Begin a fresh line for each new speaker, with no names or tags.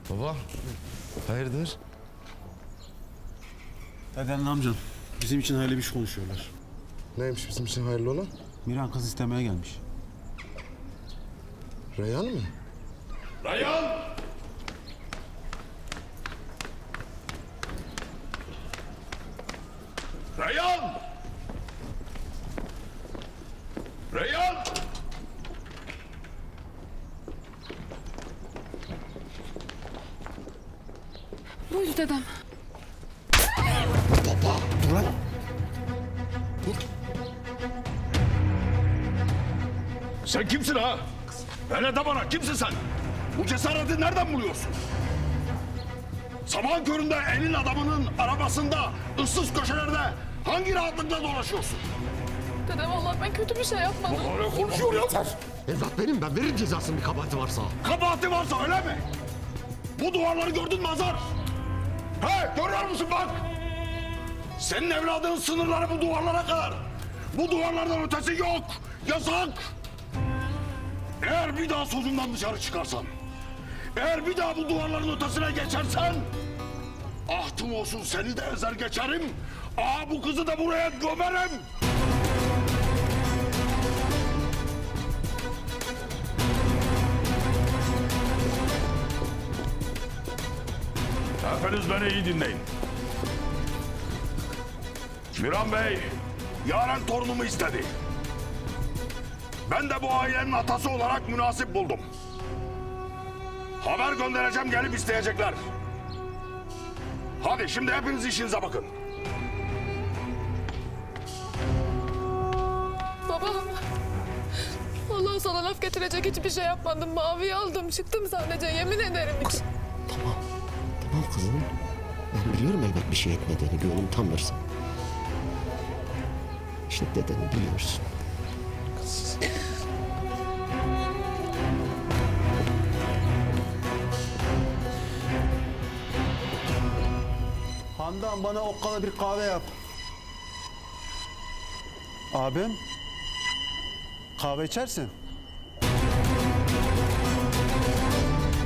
Baba, hayırdır?
Dedenle amcan bizim için hayırlı bir iş konuşuyorlar.
Neymiş bizim için hayırlı olan?
Miran kız istemeye gelmiş.
Reyhan mı?
Reyhan! Reyhan! Reyhan!
Buyur dedem.
Dur lan! Dur! Sen kimsin ha? Hele de bana kimsin sen? Bu cesareti nereden buluyorsun? Sabahın köründe elin adamının arabasında, ıssız köşelerde hangi rahatlıkla dolaşıyorsun?
Dede vallahi ben kötü bir şey yapmadım.
Öyle konuşuyor ya.
Evlat benim, ben veririm cezasını bir kabahati varsa.
Kabahati varsa öyle mi? Bu duvarları gördün mü Hazar? He, görüyor musun bak? Senin evladının sınırları bu duvarlara kadar. Bu duvarlardan ötesi yok. Yasak. Eğer bir daha sözümden dışarı çıkarsan, eğer bir daha bu duvarların ötesine geçersen, ahtım olsun seni de ezer geçerim. Aa, bu kızı da buraya gömerim. Hepiniz beni iyi dinleyin. Miran Bey, Yaren torunumu istedi. Ben de bu ailenin atası olarak münasip buldum. Haber göndereceğim, gelip isteyecekler. Hadi şimdi hepiniz işinize bakın.
Baba. Vallahi sana laf getirecek hiçbir şey yapmadım. Maviyi aldım çıktım sadece yemin ederim.
Tamam kızım. Ben biliyorum elbet bir şey etmediğini, gönlüm tanırsın. Şimdi dedeni biliyorsun.
Handan bana okkalı bir kahve yap. Abim, kahve içersin.